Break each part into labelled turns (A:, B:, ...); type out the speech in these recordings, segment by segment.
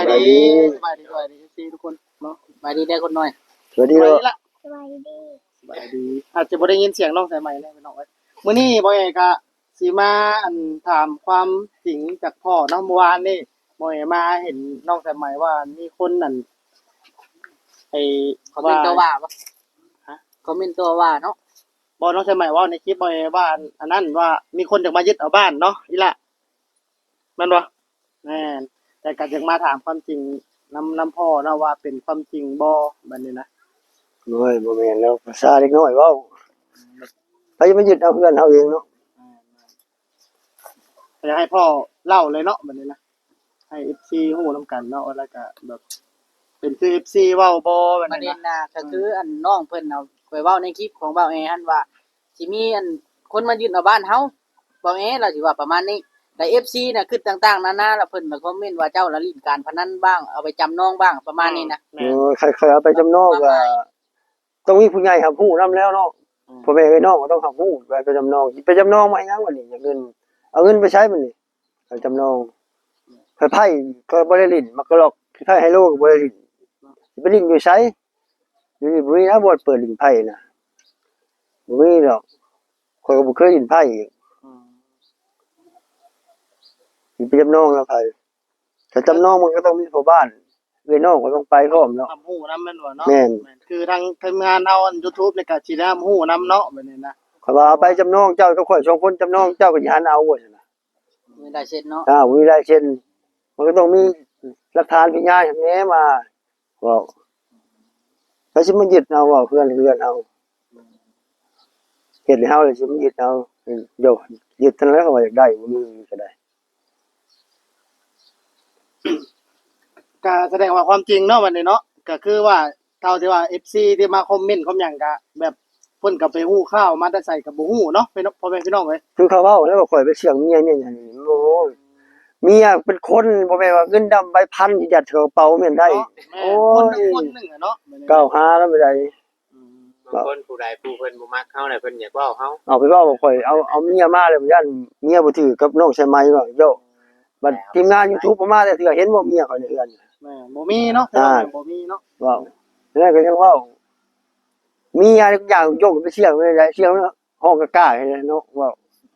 A: ดีสบายดีสบายดีทุกคนเนาะสบายดีได้คนหน่อย
B: สวัสดีละ
C: สบายดี
A: สบายดีอาจจะบ่ได้ยินเสียงน้องสายใหม่เลยพี่น้องเอ้ยมื้อนี้บ่เอกก็สิมาถามความจริงจากพ่อเนาะเมื่อวานนี่บ่เอกมาเห็นน้องสายใหม่ว่ามีคนนั่นไอ้
D: คอมเมนต์ตัวว่าบ่
A: ฮะ
D: คอมเมนต์ตัวว่าเนาะ
A: บ่น้องสายใหม่ว่าในคลิปบ่เอกว่าอันนั้นว่ามีคนอยากมายึดเอาบ้านเนาะอีละแม่นบ่แม่นแต่ก็อยากมาถามความจริงนำพ่อเนาะว่าเป็นความจริงบ่บัดนี้นะ
B: โอ้ยบ่แม่นแล้วภาษาเด็กน้อยเว้าไปมายึดเอาเพื่อนเฮาเองเนาะ
A: อยากให้พ่อเล่าเลยเนาะแบบนี้นะให้ FC ฮู้นำกันเนาะแล้วก็แบบเป็นคือ FC เว้าบ่แบบ
D: ประ
A: นั้น
D: เด็น
A: นะ
D: น่ะก็คืออันน้องเพิ่นเอาไปเว้าในคลิปของเบาแอหั่นว่าสิมีอันคนมายึดเอาบ้านเฮาเบาแอเราสิว่าประมาณนี้แต่ FC น่ะคือต่างๆนานาแล้วเพิ่นมาคอมเมนต์ว่าเจ้าละลิ้นการพนันบ้างเอาไปจำนองบ้างประมาณนี้นะ
A: แม่
B: โอ้ยใครๆเอาไปจำนองก็ต้องมีผู้ใหญ่รับรู้นํแล้วเนาะพ่อแม่เอ้ยน้องก็ต้องรับรู้ไปจำนองไปจำนองมาหยังวะนี่อยากเงินเอาเงินไปใช้มันนี่ไปจำนองไพ่ก็บ่ได้ลิ้นมักกะลอกไพ่ไฮโลก็บ่ได้ลิ้นสิไปลิ้นอยู่ไสอยู่นี่บ่มีนะบ่เปิดลิ้นไพ่น่ะบ่มีดอกข้อยก็บ่เคยลิ้นไพ่อีกสิไปจำนองแล้วไผถ้าจำนองมันก็ต้องมีพ่อบ้านเอ้ยน้องก็ต้องไปพร้อมเนาะ
A: รับฮู้นำแม่นบ่เนาะ
B: แม่น
A: คือทางทีมงานเฮาอัน YouTube นี่ก็สิได้รับฮู้นำเนาะแบบนี้นะ
B: ข้อยว่าเอาไปจำนองเจ้ากับข่อย2คนจำนองเจ้าก็สิหาเอาว่าซั่นน่ะ
D: มีได้เช็ดเนาะ
B: มีลายเซ็นมันก็ต้องมีหลักฐานพยานอย่างนี้มาเว้าแล้วสิมายึดเอาเว้าเพื่อนเอาเฮ็ดให้เฮาเลยสิมายึดเอาโยยึดเท่านั้นแล้วก็ว่าอยากได้บ่มีก็ได้
A: ก็แสดงว่าความจริงเนาะบัดนี้เนาะก็คือว่าเท่าที่ว่า FC ที่มาคอมเมนต์คอมหยังก็แบบเพิ่นก็ไปฮู้ข่าวมาแต่ใส่ก็บ่ฮู้เนาะพ่อแม่พี่น้องเอ้ย
B: คือเขาเว้าแล้วว่าข่อยไปเสี่ยงเมียเนี่ยอย่างนี้โอ้ยเมียเป็นคนบ่แม่นว่าเงินดำใบพันที่ยัดเข้ากระเป๋าแม่นได้
A: โอ้ยคนหนึงอะเนาะ
B: ก้าวหาแล้วไม่ได้
E: บางคนผู้ใดผู้เพิ่นบ่มักเฮาน่ะเพิ่นอยากเว้าเฮา
B: เอาไปเว้าว่าข่อยเอาเมียมาแล้วย่านเมียบ่ถือกับน้องใช่ไหมว่าโยบัดทีมงาน YouTube บ่มาแต่เทื่อเห็นบ่เมียข่อยในเรือน
A: แม่บ่มีเนาะบ่มีเนาะ
B: ว้าวแล้วก็ยังเว้ามีอะไรทุกอย่างโยกไปเสี่ยงไม่ได้เสี่ยงห้องกล้าๆให้เนาะว้าว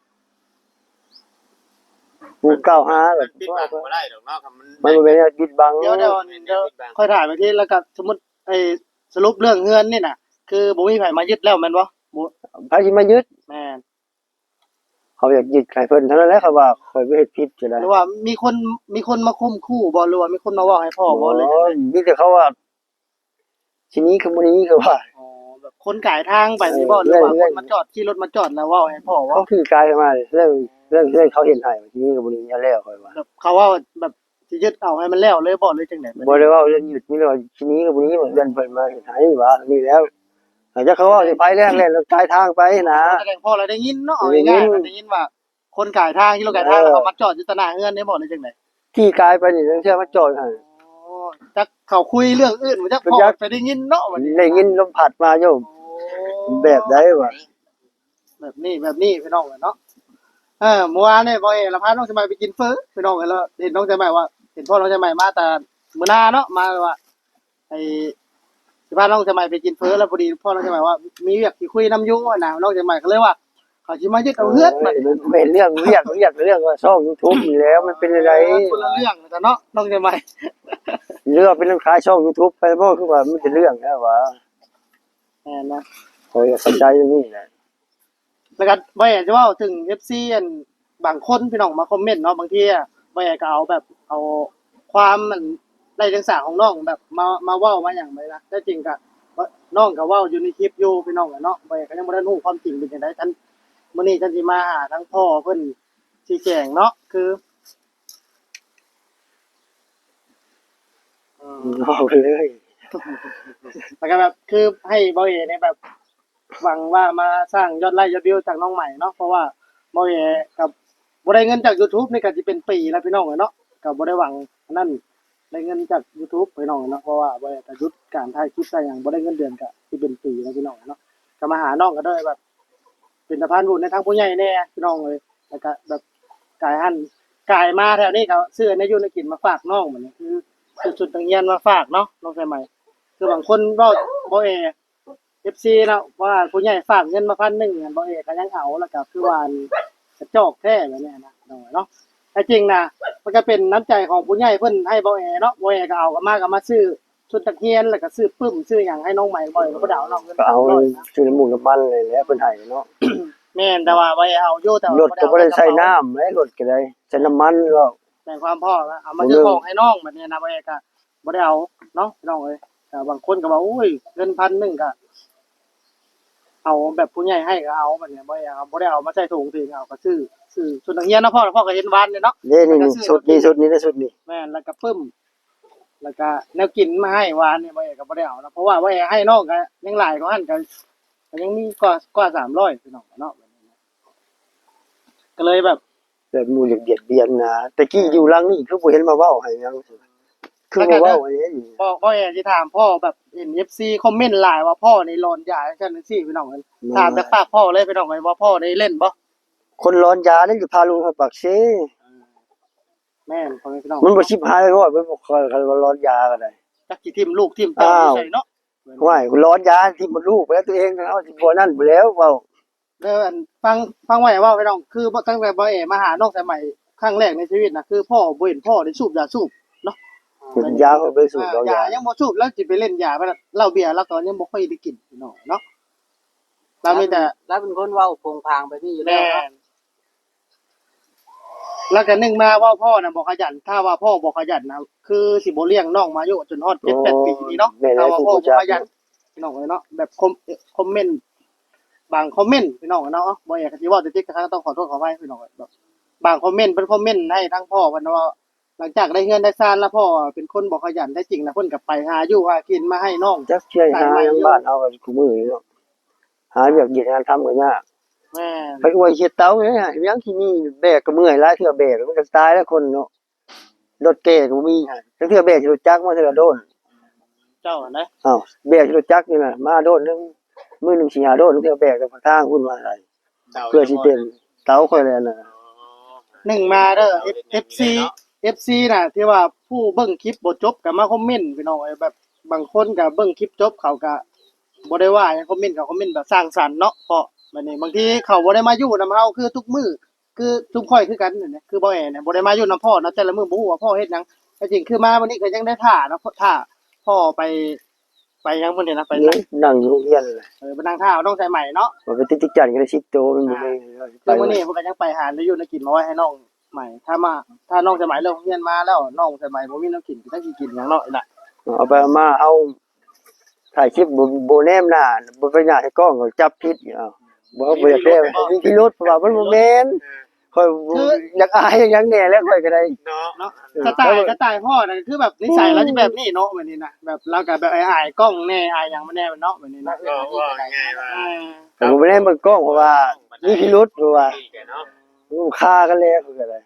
B: ผู้กล่าวหาแบบ
E: ปิดบังบ่ได้ดอกเนาะคันมัน
B: มันบ่เป็นอะไรปิดบัง
A: เดี๋ยวค่อยถ่ายไปที่แล้วก็สมมุติไอ้สรุปเรื่องเฮือนนี่น่ะคือบ่มีไผมายึดแล้วแม่นบ่บ่
B: ไผสิมายึด
A: แม่น
B: เขาอยากยึดใครเพิ่นเท่านั้นแหละเขาว่าข่อยบ่เฮ็ดผิดจะได้
A: หรือว่ามีคนมาข่มขู่บ่หรือว่ามีคนมาเว้าให้พ่อบ่เลยจังได๋
B: มีแต่เขาว่าทีนี้คือบ่นี้คือว่า
A: อ๋อแบบคนกายทางไปนี่บ่หรือว่าคนมาจอดขี่รถมาจอดแล้วเว้าให้พ่อว่า
B: เขาคือกายมาเรื่องเขาเห็นให้ทีนี้ก็บ่นี้อย่าแล้วข่อยว่า
A: แบบเขาว่าแบบสิยึดเอาให้มันแล้วเลยบ่เลยจังได๋
B: บ่ได้ว่าเรื่องหยุดมีแต่ว่าทีนี้ก็บ่นี้เหมือนกันเพิ่นมาเฮ็ดให้ว่านี่แล้วอาจจะเขาว่าสิไปแรงแล้วกายทางไปนะ
A: แสดงพ่อเราได้ยินเนาะเอาง่ายๆได้ยินว่าคนกายทางขี่รถกายทางแล้วเขามาจอดอยู่ตะหน้าเฮือนได้บ่เลยจังได๋
B: ที่กายไปนี่เชื่อมาจอดให้
A: อ๋อจักเขาคุยเรื่องอื่นบ่จักพ่อไปได้ยินเนาะบัดนี้
B: ได้ยินลมพัดมาโยมแบบใดวะ
A: แบบนี้พี่น้องเนาะเมื่อวานนี่บ่เอละพาน้องสมัยไปกินเฟอพี่น้องแล้วเห็นน้องสมัยว่าเห็นพ่อน้องสมัยมาแต่มื้อหน้าเนาะมาว่าไอ้สิพาน้องสมัยไปกินเฟอแล้วพอดีพ่อน้องสมัยว่ามีเวียกสิคุยนำอยู่นะน้องสมัยก็เลยว่าเขาสิมายึดเอาเฮือนบัดนี้
B: เป็นเรื่องเรื่องว่าช่อง YouTube นี่แล้วมันเป็นอะไร
A: คนละเรื่องแต่เนาะน้องสมัย
B: เรื่องเป็นเรื่องขายช่อง YouTube ไปบ่คือว่ามันเป็นเรื่องแล้วว่า
A: แม่นนะ
B: ข่อยเข้าใจอย่างนี้แหละ
A: แล้วก็บ่อยากจะเว้าถึง FC อันบางคนพี่น้องมาคอมเมนต์เนาะบางทีอ่ะบ่อยากก็เอาแบบเอาความมันไร้เดียงสาของน้องแบบมาเว้ามาหยังไปนะแต่จริงก็น้องก็เว้าอยู่ในคลิปอยู่พี่น้องอะเนาะบ่อยากก็ยังบ่ได้รู้ความจริงเป็นจังได๋ฉันมื้อนี้ฉันสิมาหาทั้งพ่อเพิ่นชี้แจงเนาะคือ
B: เอาไปเลย
A: แล้วก็แบบคือให้บ่อยเนี่ยแบบหวังว่ามาสร้างยอดไลค์ยอดวิวจากน้องใหม่เนาะเพราะว่าบ่อยกับบ่ได้เงินจาก YouTube นี่ก็สิเป็นปีแล้วพี่น้องอะเนาะก็บ่ได้หวังอันนั้นได้เงินจาก YouTube พี่น้องเนาะเพราะว่าบ่ได้ก็หยุดการถ่ายคลิปได้หยังบ่ได้เงินเดือนก็สิเป็นปีแล้วพี่น้องเนาะก็มาหาน้องก็ได้แบบ เป็นสะพานบุญในทางผู้ใหญ่แน่พี่น้องเลยแล้วก็แบบกายมาแถวนี้ก็ซื้อในอยู่ในกินมาฝากน้องเหมือนนี้คือสุดๆต่างเงียนมาฝากเนาะน้องใส่ใหม่คือบางคนเว้าบ่เอ FC เนาะว่าผู้ใหญ่ฝากเงินมา1,000อันบ่เอก็ยังเอาแล้วก็คือว่าอันกระจอกแท้แบบนี้นะน้องเนาะแต่จริงนะมันก็เป็นน้ำใจของผู้ใหญ่เพิ่นให้บ่เอเนาะบ่เอก็เอาก็มาซื้อชุดนักเรียนแล้วก็ซื้อปึ้มซื้อหยังให้น้องใหม่บ่เอก็บ่ได้เอาน้องเงิน
B: ก็เอา
A: 100นะ
B: ซื้อน้ำมูกน้ำมันเลยแหละเพิ่นให้เนาะ
A: แม่นแต่ว่าบ่เอเอาอยู่แต่ว่าร
B: ถก็บ่ได้ใช้น้ำเลยรถก็ได้ใช้น้ำมันแล้ว
A: แต่ความพ่อนะเอามาซื้อของให้น้องแบบนี้นะบ่เอก็บ่ได้เอาเนาะพี่น้องเอ้ยแต่บางคนก็ว่าอุ้ยเงิน1,000ก็เอาแบบผู้ใหญ่ให้ก็เอาแบบนี้บ่เอเอาบ่ได้เอามาใส่ถุงสิเอาก็ซื้อชุดนักเรียนเนาะพ่อก็เห็นวานเนี่ยเนาะ
B: นี่ชุดนี้นะชุดนี้
A: แม่นแล้วก็ปึ้มแล้วก็แนวกินมาให้วานเนี่ยบ่เอก็บ่ได้เอานะเพราะว่าบ่เอให้น้องก็ยังหลายกว่าหั่นก็ยังมีกว่า300พี่น้องเนาะก็เลยแบบ
B: แบบหมู่เบียดเบียนนะแต่กี้อยู่หลังนี่คือบ่เห็นมาเว้าให้หยังคือบ่เว้าอันนี้
A: พ่อเอสิถามพ่อแบบเห็น FC คอมเมนต์หลายว่าพ่อนี่ร้อนยาจังซี่พี่น้องเอ้ยถามจากปากพ่อเลยพี่น้องเอ้ยว่าพ่อได้เล่นบ่
B: คนร้อนยานี่อยู่พาลูกไปปากเซ
A: แม่นพ่อแม่พี่น้อง
B: มันบ่ชิบหายบ่มันบ่ค่อยร้อนยาก็ได้
A: จักสิทิ่มลูกทิ่มเต้าอยู่ไสเนาะ
B: ห้วยร้อนยาที่มันลูกไปแล้วตัวเองเอาสิบ่นั่นไปแล้วเว้า
A: เด้ออันฟังไว้ว่าพี่น้องคือตั้งแต่บ่เอมาหาน้องสมัยครั้งแรกในชีวิตน่ะคือพ่อบ่เห็นพ่อได้สูบยาสูบเนาะ
B: เป็นยาเขาไปสูบเอายา
A: ยังบ่สูบแล้วสิไปเล่นยาไปเหล้าเบียร์แล้วก็ยังบ่ค่อยได้กินพี่น้องเนาะเรามีแต่
D: แล้วเป็นคนเว้าโผงผางไปนี่อยู่แล้
A: แม่
D: วเนาะ
A: นแล้วก็นึงมาว่าพ่อน่ะบ่ขยันถ้าว่าพ่อบ่ขยันนะคือสิบ่เลี้ยงน้องมาอยู่จนฮอด7-8 ปีนี่เนาะถ้าว่าพ่อบ่ขยันพี่น้องเอ้ยเนาะแบบคอมเมนต์บางคอมเมนต์พี่น้องเนาะบ่อยากสิเว้าแต่ติ๊กก็ต้องขอโทษขออภัยพี่น้องแบบบางคอมเมนต์เพิ่นคอมเมนต์ให้ทั้งพ่อเพิ่นว่าหลังจากได้เงินได้ซ่านแล้วพ่อเป็นคนบ่ขยันแท้จริงนะเพิ่นก็ไปหาอยู่หากินมาให้น้อง
B: จักเชื่อหายังบ้านเอาก็คุมื้อนี่เนาะหาเวียกเฮ็ดงานทำก็ยาก
A: แม่น
B: ไปอวยเฮ็ดเตาเนี่ยยังที่นี่แบกก็เมื่อยหลายเทื่อแบกมันก็ตายแล้วคนเนาะรถแก่ก็บ่มีจักเทื่อแบกรถจักรมาเทื่อโดน
A: เจ้าอะนะ
B: อ้าวแบกรถจักรนี่น่ะมาโดนนึงมื้อนึงสิหาโดนเทื่อแบกก็ทางพุ่นมาได้เพื่อสิเป็นเตาค่อยแล้วน่ะ
A: หนึ่งมาเด้อ FC น่ะที่ว่าผู้เบิ่งคลิปบ่จบก็มาคอมเมนต์พี่น้องแบบบางคนก็เบิ่งคลิปจบเขาก็บ่ได้ว่าหยังคอมเมนต์ก็คอมเมนต์แบบสร้างสรรค์เนาะเพราะบัดนี้บางทีเขาบ่ได้มาอยู่นำเฮาคือทุกมื้อคือทุกข่อยคือกันนั่นแหละคือบ่แอเนี่ยบ่ได้มาอยู่นำพ่อเนาะแต่ละมื้อบ่ฮู้ว่าพ่อเฮ็ดหยังแต่จริงคือมาวันนี้ก็ยังได้ท่าเนาะท่าพ่อไปหยังพุ่นนี่นะไป
B: นั่งอยู่โรงเรียนน่ะ
A: ไปนั่งท่าเอาน้องใส่ใหม่เนาะ
B: ว่าไปติดจันก็ได้10โตมันบ่ได้
A: คือมื้อนี้เพิ่นก็ยังไปหาได้อยู่ในกินมาไว้ให้น้องใหม่ถ้าน้องใส่ใหม่เลิกเรียนมาแล้วน้องใส่ใหม่บ่มีน้ำกินก็สิกินหยังเนาะอีหล่ะ
B: เอาไปเอามาเอาถ่ายคลิปบ่แนมหน้าบ่ไปหน้าให้กล้องก็จับผิดอ้าวบ่เอาบ่อยากได้มีพิรุธเพราะว่ามันบ่แม่นค่อยอยากอายอย่างแน่แล้วค่อยก็ได้
E: เนาะ
A: เนาะสไตล์พ่อน่ะคือแบบนิสัยเราจะแบบนี้เนาะแบบนี้นะแบบเราก็แบบอายๆกล้องแน่อายหยังบ่แน่เนาะแบบนี้นะ
E: ก็ว่าง่ายว่า
B: แต่ผมบ่ได้เบิ่งกล้องเพราะว่ามีพิรุธเพราะว่า
E: ดีแกเนาะ
B: มันฆ่ากันแล้วคืออะไร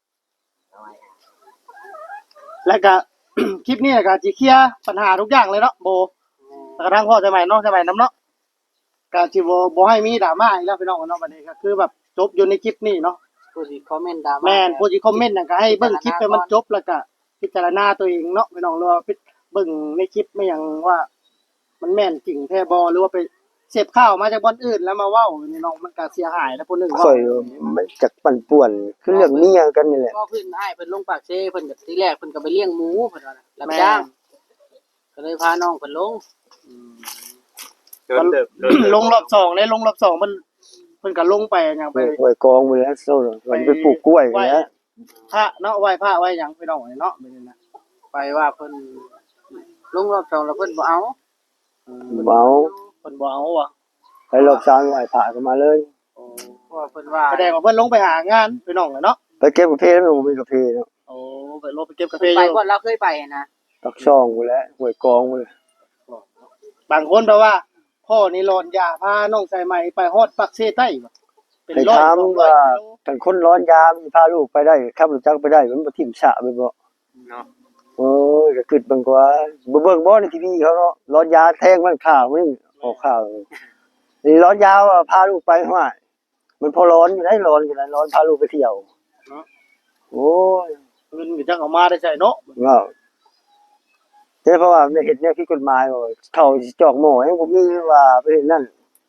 A: แล้วก็ คลิปนี้ก็สิเคลียร์ปัญหาทุกอย่างเลยเนาะโบแล้วก็ทางพ่อใช่ไหมน้องใช่ไหมน้ำเนาะก็สิบ่ให้มีดราม่าอีกแล้วพี่น้องเนาะบัดนี้ก็คือแบบจบอยู่ในคลิปนี้เนาะ
D: ผู้ที่คอมเมนต์ดราม่า
A: แม่นผู้ที่คอมเมนต์น่ะก็ให้เบิ่งคลิปให้มันจบแล้วก็พิจารณาตัวเองเนาะพี่น้องหรือว่าเบิ่งในคลิปไม่หยังว่า มันแม่นจริงแท้บ่หรือว่าไปเสพข่าวมาจากบ่อนอื่นแล้วมาเว้านี่น้องมันก็เสียหายแล้วผู้หนึง
B: ค่อยมันจักปั่นป่วนคือเรื่องเมียกันนี่แหละ
D: ก็เพิ่นให้เพิ่นลงปากเซ่เพิ่นก็ทีแรกเพิ่นก็ไปเลี้ยงหมูเพิ่นว่าน่ะรับจ้างก็เลยพาน้องเพิ่นลง
E: โดนเติบ
A: ลงรอบ2เลยลงรอบ2มันเพิ่นก็ลงไปหยังไป
B: ห้วยกองไปแล้วโซ่มันไปปลูกกล้วยแล้ว
A: พระเนาะไหว้พระไหว้หยังพี่น้องเนาะแบบนี้นะ
D: ไปว่าเพิ่นลงรอบสองแล้วเพิ่นบ่เอา
B: เบา
A: เพิ่นบ่เอาว่ะ
B: ไปรอบสร้างไหว้พระกันมาเลย
D: เพราะว่าเพิ่นว่า
A: แสดงว่าเพิ่นลงไปหางานพี่น้องเนาะ
B: ไปเก็บกาแฟแล้วมันมีกาแฟเนาะ
A: โอ้ไปลงไปเก็บกาแฟ
D: ไป
A: อยู่
D: ก่อนเราเคยไปนะ
B: ตักช่องไปแล้วห้วยกองไปเลย
A: บางคนแปลว่า พ่อนี่ร้อนยาพาน้องใส่ใหม่ไปฮอดปักเซใต้บ่เป็น
B: ให้
A: ร้อย
B: ถาม
A: 200
B: ว่า
A: กิโล
B: ท่านคนร้อนยามีพาลูกไปได้ขับรถจักรไปได้มันบ่ทิ่มฉะไปบ่
E: เนาะ
B: โอ้ยก็คิดเบิ่งกว่าบ่เบิ่งบ่ในทีวีเขาเนาะร้อนยาแทงมันข่าวมันออกข่าวนี่ร้อนยาว่าพาลูกไปว่ามันพอร้อนอยู่ได้ร้อนอยู่ได้ร้อนพาลูกไปเที่ยวโอ้ย
A: เงินก็จักเอามาได้ใช้เนาะ
B: เนาะแต่เพราะว่าเฮ็ดแนวผิดกฎหมายบ่เขาสิจอกหม้อยังบ่มีว่าไปเฮ็ดนั่น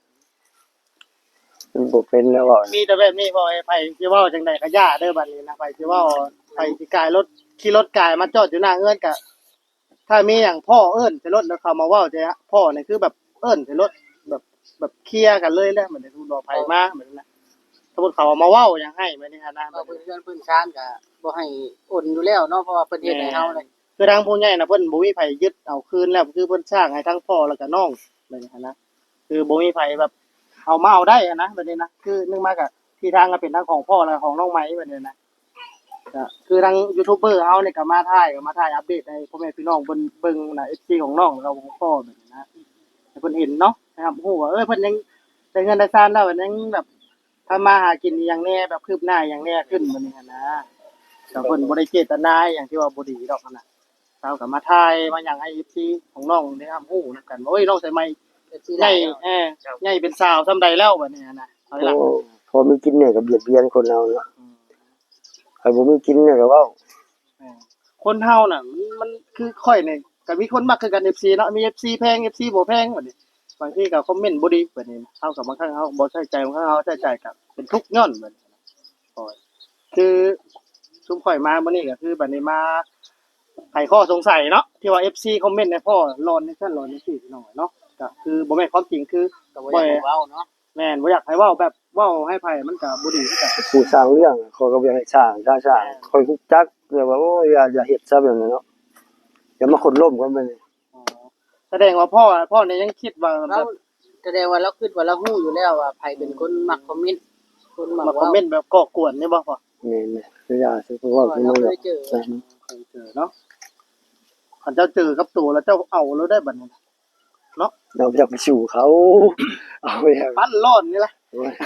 B: มันบ่เป็นแล้วว่า
A: มีแต่แบบนี้บ่ไอ้ไผสิเว้าจังได๋ก็ย่าเด้อบัดนี้นะไผสิเว้าไผสิกายรถขี่รถกายมาจอดอยู่หน้าเฮือนก็ถ้ามีหยังพ่อเอิ้นใส่รถแล้วเขามาเว้าใจอะพ่อนี่คือแบบเอิ้นใส่รถแบบเคลียร์กันเลยแหละเหมือนสมมุติว่าไผมาเหมือนนั้นสมมุติเขามาเว้าหยังให้แบบนี้หั่นนะ
D: เราเพิ่นเพิ่นชานก็บ่ให้โอนอยู่แล้วเนาะเพราะว่าเพิ่นเฮ็ดให้เฮาเลย
A: คือทางผู้ใหญ่น่ะเพิ่นบ่มีไผยึดเอาคืนแล้วคือเพิ่นสร้างให้ทั้งพ่อแล้วก็น้องแบบนี้หั่นนะคือบ่มีไผแบบเอามาเอาได้อะนะแบบนี้นะคือนึงมาก็ที่ทางก็เป็นทั้งของพ่อและของน้องไหมแบบนี้นะ ก็คือทางยูทูบเบอร์เฮาเนี่ยก็มาถ่ายอัปเดตให้พ่อแม่พี่น้องเบิ่งน่ะ FC ของน้องแล้วก็ของพ่อแบบนี้นะให้เพิ่นเห็นเนาะนะครับฮู้ว่าเพิ่นยังได้เงินได้ซานแล้วเพิ่นยังแบบทำมาหากินอหย่างแน่แบบคืบหน้าอหย่างแน่ขึ้นแบบนี้หั้นนะก็เพิ่นบ่ได้เจตนาอหย่างที่ว่าบ่ดีดอกนั่นน่ะเราก็มาถ่ายมาหยังให้ FC ของน้องได้รับรู้นํกันว่าโอ้ยน้องใส่ไม้ใหญ่ใหญ่เป็นสาวซำใดแล้วแบบนี้นะเอาล่ะ
B: โอ้พอมีกินเนี่ยก็เบียดเบียนคนเราเนาะใครบ่มีกินเนี่ยก็เว้า
A: คนเฮาน่ะมันคือค่อยนี่ก็มีคนมักคือกัน FC เนาะมี FC แพง FC บ่แพงบัดนี้บางทีก็คอมเมนต์บ่ดีบัดนี้เฮาก็บางครั้งเฮาบ่ใส่ใจบางครั้งเฮาใส่ใจก็เป็นทุกข์ย้อนบัดนี้โอ้ยคือซุมข่อยมามื้อนี้ก็คือบัดนี้มาไขข้อสงสัยเนาะที่ว่า FC คอมเมนต์ให้พ่อร้อนนี่ซั่นร้อนนี่สิพี่น้องเนาะก็คือบ่แม่นความจริงคือ
D: ก็บ่อยากให้เว้าเนาะ
A: แม่นบ่อยากให้เว้าแบบเว้าให้ไผมันก็บ่ดีคือกัน
B: ผู้สร้างเรื่องเขาก็บ่อยากให้สร้างถ้าสร้างคอยฮู้จักแต่ว่าโอ้ยอย่าเฮ็ดซะแบบนั้นเนาะอย่ามาคนล้มกันไปนี่
A: อ๋อแสดงว่าพ่อเนี่ยยังคิดว่าแบ
D: เรา
A: บ
D: แสดงว่าเราคิดว่าเราฮู้อยู่แล้วว่าไผเป็นคนมักคอมเมนต์คนมัก
A: มาคอม
D: เว้า
A: เมนต์แบบก่อกวนนี่บ่พ่อ
B: แม่นๆคืออย่าสิเพราะว่าคือ
D: เรา
B: มัน
D: เค
B: แบบ
D: ยเจอ
A: เคยเจอเนาะคันเจ้าเจอกับตัวแล้วเจ้าเอาแล้วได้บัดนี้
B: เราอยากไปสู่เขาเอาไปให้
A: ปั้นร้อนนี่แหละ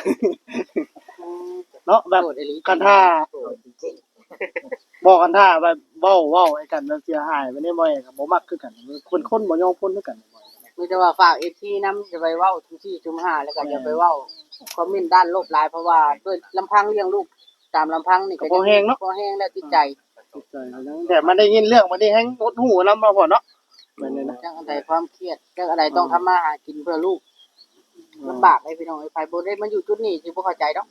A: เนาะแบบ
D: โทษอีหลี
A: กันท่าบอกกันท่าแบบเว้าให้กันแล้วเสียหายไปนี่บ่อยก็บ่มักคือกันคนบ่ยอมคนคือกันบ่อย
D: มีแต่ว่าฝาก FC นำจะไปเว้าทุกที่ทุกหาแล้วก็อย่าไปเว้าคอมเมนต์ด้านลบหลายเพราะว่าด้วยลำพังเลี้ยงลูกตามลำพังนี่ก็บ่แห้งแล้วติดใจ
A: แต่มันได้ยินเรื่องมันนี่แฮงหดหูนำบ่พ่อเนาะแม่นๆนะ
D: จังอะไรความเครียดจังอะไรต้องทำมาหากินเพื่อลูกลำบากไอ้พี่น้องไอ้ไผบ่ได้มาอยู่จุดนี้สิบ่เข้าใจดอก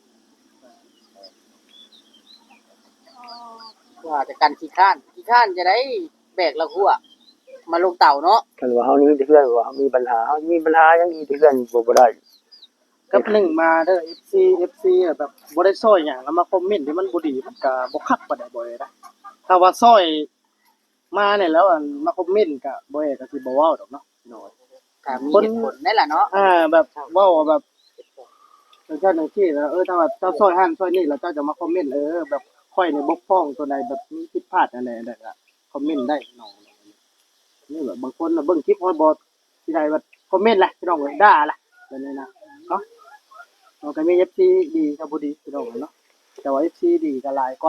D: ว่าแต่กันขี้ข้านจะได้แบกละหัวมาลงเต่าเนาะ
B: คันว่าเฮานี่มีแต่เพื่อนว่าเฮามีปัญหาเฮามีปัญหาหยังอีกแต่เพื่อนบ่ได้
A: กับหนึ่งมาเด้อ FC อะแบบบ่ได้ซอยหยังแล้วมาคอมเมนต์ที่มันบ่ดีมันก็บ่คักปานใดบ่ได้นะถ้าว่าซอยมาเนี่ยแล้วอันมาคอมเมนต์ก็บ่ได้ก็สิบ่เว้าดอกเนาะพี่น้อย
D: ถ้ามีเหตุผลนั่นล่ะเนาะ
A: แบบเว้าแบบจังซั่นจังซี่แล้วถ้าว่าเจ้าซอยหั่นซอยนี่แล้วเจ้าจะมาคอมเมนต์แบบค่อยนี่บกพร่องตัวใดแบบมีผิดพลาดอะไรนั่นก็คอมเมนต์ได้น้องนี่แบบบางคนน่ะเบิ่งคลิปฮอดบ่สิได้แบบคอมเมนต์แหละพี่น้องเอ้ยด่าล่ะแบบนี้นะเนาะ เราก็มี FC ดีกับบ่ดีพี่น้องเนาะแต่ว่า FC ดีก็หลายกว่า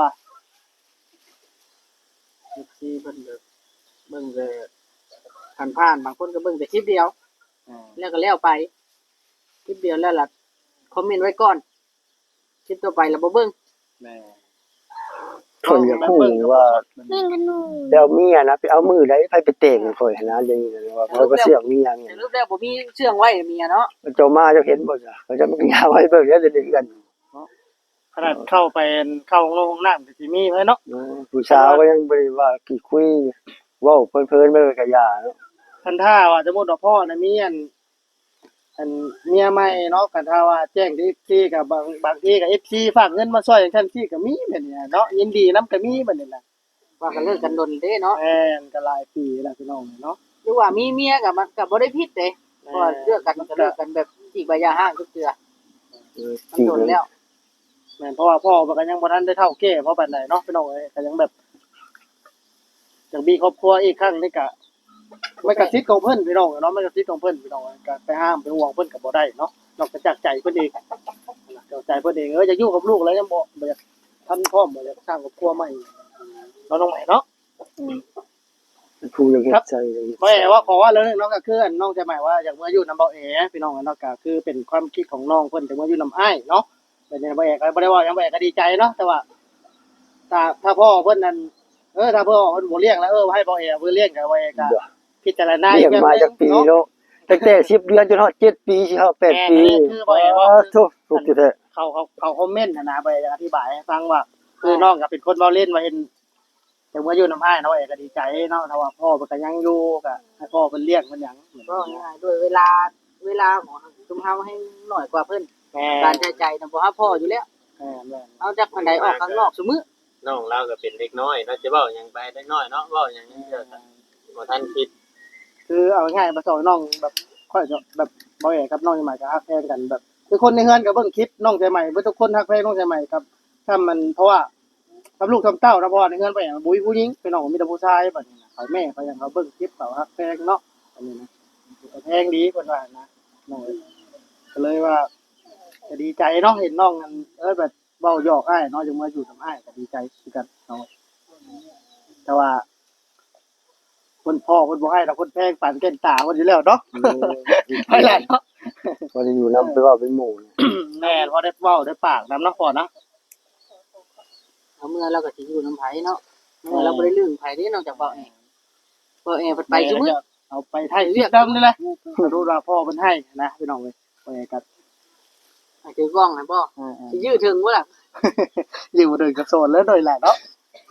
A: FC เพิ่นก็เบิ่งแต่ผ่านๆบางคนก็เบิ่งแต่คลิปเดียวแล้วก็แล้วไปคลิปเดียวแล้วล่ะคอมเมนต์ไว้ก่อนคลิปต่อไปแล้วบ่เบิ่งแม่
B: ข่อยอยากรู้ว่าแล้วเมียนะไปเอามือใดไปแต่งข่อยหันนะเดี๋ยวนี้นะว่าเขาก็เสียงเมีย
D: แต่รูปแรกบ่มีเชื่องไว้เมียเนาะ
B: เจ้ามาเจ้าเห็นบ่จ้ะเขาจะมันก็ยาวไว้เบิ่งแล้วจะได้กัน
A: ขนาดเข้าห้องน้ำก็สิมีไว้เนาะ
B: ผู้สาวก็ยังบ่ได้ว่ากี่คุยเว้าเพลินๆไปก็ย่าเนาะ
A: คันถ้าว่าสมมุติว่าพ่อน่ะมีอันเมียใหม่เนาะคันถ้าว่าแจ้งที่ FC ก็บางทีก็ FC ฝากเงินมาช่วยจังซั่นซี่ก็มีแบบนี้เนาะยินดีนํก็มีแบบนี้น่ะ
D: ว่ากันเลิกกันดนเด้เนาะ
A: แม่นก็หลายปีแล้วพี่น้องเนาะ
D: หรือว่ามีเมียก็มันก็บ่ได้ผิดเด้เพราะว่าเลิกกันก็เลิกกันแบบจีกใบยาห้างทุกเทื่อมัน
B: จริง
D: โดนแล้ว
A: แม่นเพราะว่าพ่อมันก็ยังบ่ทันได้เท่าแก่เพราะปานใดเนาะพี่น้องเอ้ยก็ยังแบบจังมีครอบครัวอีกครั้งนี่ก็มันก็สิทธิ์ของเพิ่นพี่น้องเนาะมันก็สิทธิ์ของเพิ่นพี่น้องก็ไปห้ามไปห่วงเพิ่นก็บ่ได้เนาะนอกจากใจเพิ่นเองจากใจเพิ่นเองจะอยู่กับลูกแล้วยังบ่อยากทันพร้อมบ่อยากสร้างครอบครัวใหม่เนาะน้องใหม่เนาะ
B: ผู้ยังเฮ็ดใจเลย
A: บ่ได้ว่าขอว่าเรื่องนึงเนาะก็คืออันน้องใจใหม่ว่าอยากมาอยู่นำเบาเอพี่น้องเนาะก็คือเป็นความคิดของน้องเพิ่นจะมาอยู่นำอ้ายเนาะแต่เนี่ยบ่เอก็บ่ได้ว่าหยังบ่เอก็ดีใจเนาะแต่ว่าถ้าพ่อเพิ่นนั่นถ้าพ่อเพิ่นบ่เลี้ยงแล้วให้เบาเอเพิ่นเลี้ยงก็บ่เอก็พิจารณา
B: เลี้ยงมาจากปีเนาะตั้งแต่10 เดือนจนฮอด7 ปีสิฮอด8 ปีทุกแท้
A: เขาคอมเมนต์นะไปอธิบายให้ฟังว่าคือน้องก็เป็นคนเว้าเล่นว่าเห็นแต่เมื่ออยู่น้ำอ้ายเนาะก็ดีใจเนาะถ้าว่าพ่อมันก็ยังอยู่ก็ให้พ่อเพิ่นเลี้ยงมันหยัง
D: ก็ง่ายๆด้วยเวลาของชุมเฮาให้หน่อยกว่าเพิ่นการใช้จ่ายน่ะบ่ฮับพออยู่แล้ว
A: แม่
D: เอาจากอันใดออกข้างนอกซุมื้อ
E: น้องเราก็เป็นเด็กน้อยเนาะจะเว้าหยังไปเด็กน้อยเนาะเว้าหยังเด้อบ่ทันคิด
A: คือเอาง่ายๆมาสอนน้องแบบค่อยจะแบบบ่แย่กับน้องใหม่ก็ฮักแพงกันแบบคือคนในเฮือนก็เบิ่งคลิปน้องใหม่เบิ่ทุกคนฮักแพงน้องใหม่กับถ้ามันเพราะว่าทำลูกทำเต้านะพ่อในเฮือนไปอย่างบุ้ยผู้หญิงเป็นน้องมีแต่ผู้ชายบัดนี้นะเขาแม่เขาอย่างเขาเบิ่งคลิปเขาฮักแพงเนาะอันนี้นะแพงดีเพิ่นว่านะน้องก็เลยว่าจะดีใจเนาะเห็นน้องกันแบบเว้าหยอกอ้ายเนาะจังมาอยู่กับอ้ายก็ดีใจคือกันเนาะแต่ว่าคนพ่อคนบ่ให้เราคนแพงปั่นเก่นตาคนอยู่แล้วเนาะไปแหละเนาะ
B: บ่ได้อยู่นำไปว่าเป็นหมู่
A: แม่พอได้เว้าได้ปากนำเนาะพ่อนะ
D: เอาเมื่อเราก็สิอยู่นำไผเนาะเมื่อเราบ่ได้ลืมไผเด้นอกจากเว้าเองเว้าเองเพิ่นไปซุมื้อ
A: เอาไปไทยเรียกดำนี่แหละรู้ว่าพ่อเพิ่นให้นะพี่น้องเว้ยไปกัน
D: ให้ถือกล้องให้บ่สิยื้อถึงบ่ล่ะ
A: อยู่เดินกับโซนแล้วโดยแหละเนาะ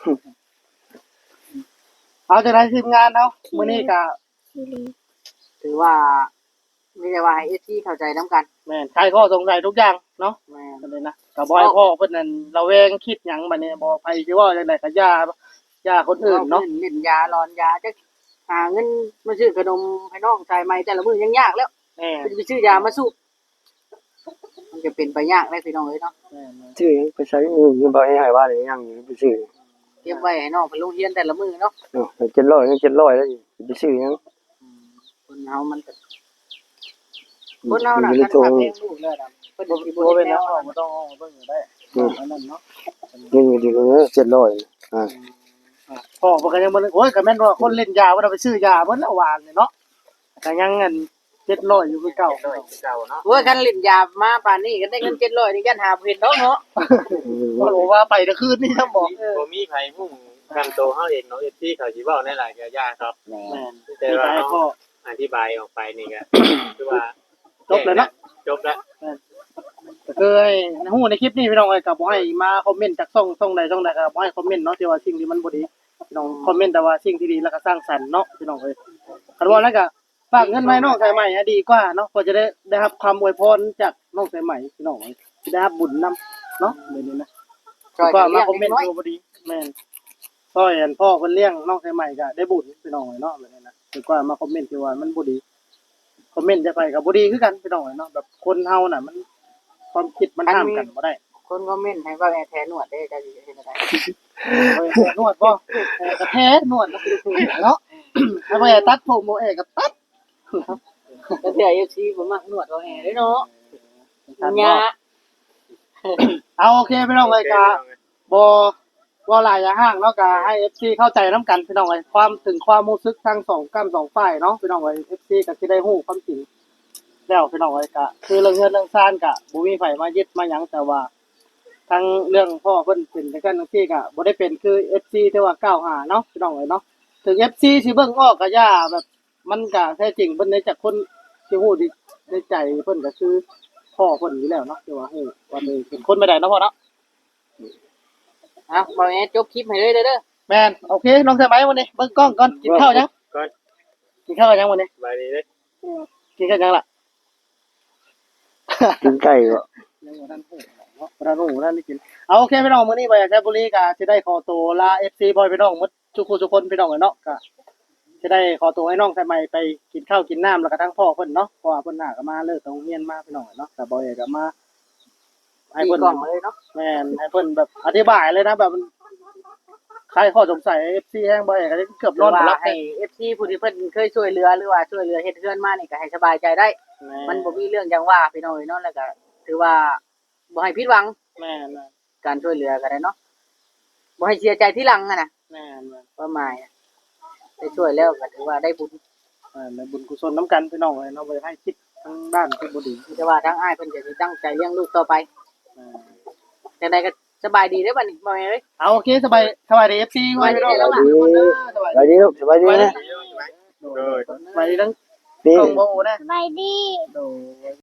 A: เอาจากนั้นทีมงานเนาะมื้อนี้ก็
D: ถือว่ามีแต่ว่าให้ FC เข้าใจนํกัน
A: แม่นใครข้อสงสัยทุกอย่างเนาะ
D: แม่น
A: กันเลยนะก็บ่ให้พ่อเพิ่นนั่นระแวงคิดหยังบัดนี้บ่ไผสิว่าจังได๋ก็ย่าคนอื่นเนาะ
D: เล่นยาหลอนยาจักหาเงินมาซื้อขนมให้น้องชายใหม่แต่ละมื้อยังยากแล้ว
A: แม่
D: ไปซื้อยามาสูบมันจะเป็นไปยากได้พี่น้องเอ้ยเนาะ
B: ชื่อหยังไปใช้อยู่บ่ให้ว่าได้ยังอยู่ไปซื้อ
D: เตรียมไว้ให้น้องไปโรงเรียนแต่ละมื้อเนาะ
B: เนาะ700ยัง700แล้วไปซื้อหยัง
D: คนเฮามันก็คนเฮาน่ะคันขับเองลูกเลยน่ะเพิ่นสิบ่
A: บ่
D: เป็
A: เป็น น
D: แน
A: แน
D: ว
A: ว
D: เนาะ
A: บ่ต้องเบิ่งได้อันนั้นเนาะ
B: เงินอยู่ดีเด้อ700อ่า
A: พ่อเพิ่นก็ยังบ่โอ้ยก็แม่นว่าคนเล่นยาบ่ได้ไปซื้อยาเพิ่นละวานเนาะก็ยังเงิน700อยู่คือเก่า
E: เก่าเนาะ
D: โอ้ยคันเล่นยามาป่านนี้ก็ได้เงิน700นี่กันหาบ่เห็นดอกเนาะ
A: บ่รู้ว่าไปแต่คืนนี่ครับบอก
E: บ่มีไผมุ่งทำโตเฮาเองเนาะ FC เขาสิเว้าในหลายก็ยากครับ
A: แม่น
E: แต่
A: ที่
E: ว่า
A: ไปพ่อ
E: อธิบายออกไปนี่ก็คือว่า
A: จบแล้วเนาะ
E: จบแล้ว
A: ก็คือให้ฮู้ในคลิปนี้พี่น้องเอ้ยก็บ่ให้มาคอมเมนต์จากช่องใดก็บ่ให้คอมเมนต์เนาะที่ว่าสิ่งที่มันบ่ดีพี่น้องคอมเมนต์แต่ว่าสิ่งที่ดีแล้วก็สร้างสรรค์เนาะพี่น้องเอ้ยคันว่าแล้วก็ฝากเงินไว้น้องสายใหม่ดีกว่าเนาะเพื่อจะได้รับคำอวยพรจากน้องสายใหม่พี่น้องเอ้ยสิได้รับบุญนํเนาะแบบนี้นะ ก็มาคอมเมนต์ดูพอดีแม่นพ่อเห็นพ่อคนเลี้ยงน้องใหม่ก็ได้บุญพี่น้องเนาะแบบนี้นะดีกว่ามาคอมเมนต์ที่ว่ามันบ่ดีคอมเมนต์จะไปก็บ่ดีคือกันพี่น้องเนาะแบบคนเฮาน่ะมันความคิดมันห้ามกันบ่ได้
D: คนคอมเมนต์ให้ว่าแท้หนวดได้จะสิเฮ็ดได้
A: เอ้ยนวดบ่กระแท้นวดเนาะถ้าบ่ตัดผมบ่ก็ตัด
D: ก็เทื่อ FC บ่มักหนวดเอาแอเด้เนาะยา
A: เอาโอเคพี่น้องเอ้ยก็บ่ว่าหลายอย่าห้างเนาะก็ให้ FC เข้าใจนํกันพี่น้องเอ้ยความถึงความรู้สึกทั้งสองกั้มสองฝ่ายเนาะพี่น้องเอ้ย FC ก็สิได้ฮู้ความจริงแล้วพี่น้องเอ้ยก็คือเรื่องเงินเรื่องซ่านก็บ่มีไผมายึดมาหยังแต่ว่าทั้งเรื่องพ่อเพิ่นเป็นจังซั่นจังซี่ก็บ่ได้เป็นคือ FC ที่ว่ากล่าวหาเนาะพี่น้องเอ้ยเนาะถึง FC สิเบิ่งออกก็ย่าแบบมันก็แท้จริงเพิ่นได้จากคนที่ฮู้ดีในใจเพิ่นก็คือพ่อเพิ่นอยู่แล้วเนาะที่ว่าฮู้ว่าเป็นคนไม่ได้เนาะพ่อเนาะ
D: อ่ะบ่แอจบคลิปให้เลยเด้อ
A: แม่นโอเคน้องสมัยวันนี้เบิ่งกล้องก่อนกินข้าวยัง
E: ก่อน
A: กินข้าวยังวันนี้
E: บายดีเด้อ
A: กินข้าวยังล่ะ
B: กินไก่บ่
A: ยังบ่ทันฮู้เนาะบ่ทันฮู้บ่ทันได้กินเอาโอเคพี่น้องมื้อนี้ไปแคบุรีก็สิได้ขอตัวลา FC บอยพี่น้องหมดทุกคนทุกคนพี่น้องเนาะก็สิได้ขอตัวให้น้องสมัยไปกินข้าวกินน้ำแล้วก็ทั้งพ่อเพิ่นเนาะเพราะว่าเพิ่นน่าก็มาเลิกโรงเรียนมาพี่น้องเนาะแต่บอยก็มาให้
D: ให้
A: เพิ่น
D: กล่องเลยเนาะ
A: แม่นให้เพิ่นแบบอธิบายเลยนะแบบมันใครข้อสงสัย FC แฮงบ่อยก็เกือบ
D: ห
A: น
D: รือ
A: อนบ่
D: ว่า
A: หลับ
D: ให้ FC ผู้ที่เพิ่นเคยช่วยเหลือหรือว่าช่วยเหลือเฮ็ดเฮือนมานี่ก็ให้สบายใจได้ มันบ่มีเรื่องจังว่าพี่น้องเนาะแล้วก็ถือว่าบ่ให้ผิดหวัง
A: แม่น
D: การช่วยเหลือก็ได้เนาะบ่ให้เสียใจทีหลังอะนะ
A: แม่น
D: ประมาณอะได้ช่วยแล้วก็ถือว่าได้บุญ
A: ในบุญกุศลน้ำกันพี่น้องเลยเนาะบ่ให้คิดทางด้านที่บ่ดี
D: แต่ว่าทางอ้ายเพิ่นก็สิตั้งใจเลี้ยงลูกต่อไปจังไดก็สบายดีเด้อบัดนี้บ่แม่นเอ้ย
A: เอาโอเคสบายดี FC ไว้พี่น้อง
D: สบายดี
B: สบายดีลูกสบายดีนะ
E: ดีโดย
A: ไปทั้ง
B: นี่
A: กล้องบ่โอนะ
C: สบายดี
A: โดย